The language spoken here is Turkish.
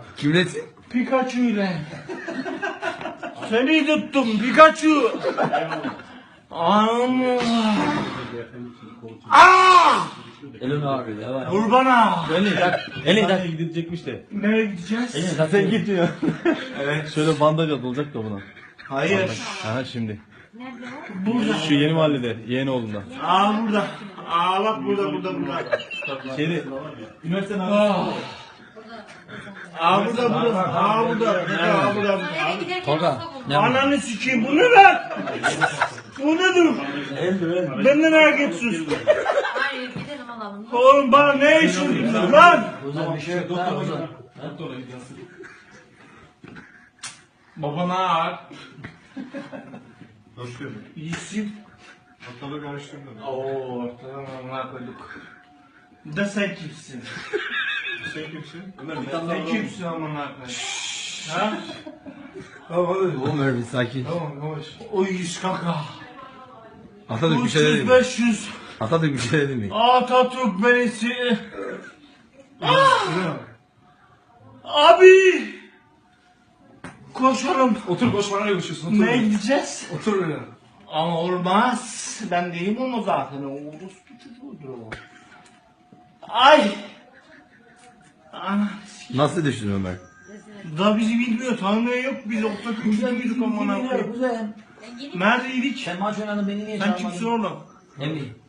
Kimlesin? Pikachu ile. Seni tuttum Pikachu. Elin abi ya. Vur bana. Elin tak gidecekmiş de. Nereye gideceğiz? Sen gitmiyor. Evet. Şöyle bandaj olacak da buna. Hayır. Aha şimdi. Burada. Şu yeni mahallede, Yeğenoğlu'nda. Burada. Bak burada. Şeyde, üniversitenin Burada. Burada. Tolga. Ananı sikeyim bu ne lan? Bu nedir? Ben de merak etsin. Hayır gidelim alalım. Oğlum bana ne işin lan? Ozan bir şey yok. Doktor Ozan. Babana ağır. Hoş geldin. İyisin. Ortalığı karıştırdın. Oo ortadan amına koyduk. Da sen kimsin? Sen kimsin? Sen kimsin amına koyduk? Ha? Oğlum öyle bir sakin. Tamam yavaş. O 100 kaka. Atatürk bir şey dedi 300 mi? 500. Atatürk bir şey dedi mi? Atatürk beni Abi! Koşalım. Otur boş bana ne konuşuyorsun? Nereye gideceğiz? Otur öyle. Ama olmaz. Ben değilim onu zaten. Orospu çocuğudur o. Ay! Ana. Nasıl düştün Ömer? Da bizi bilmiyor. Tanımıyor yok. Biz ortak üçlüydük amına koyayım. Kuzen. Neredeydik? Sen maç oynadın beni niye Sen kimsin oğlum? Emmi.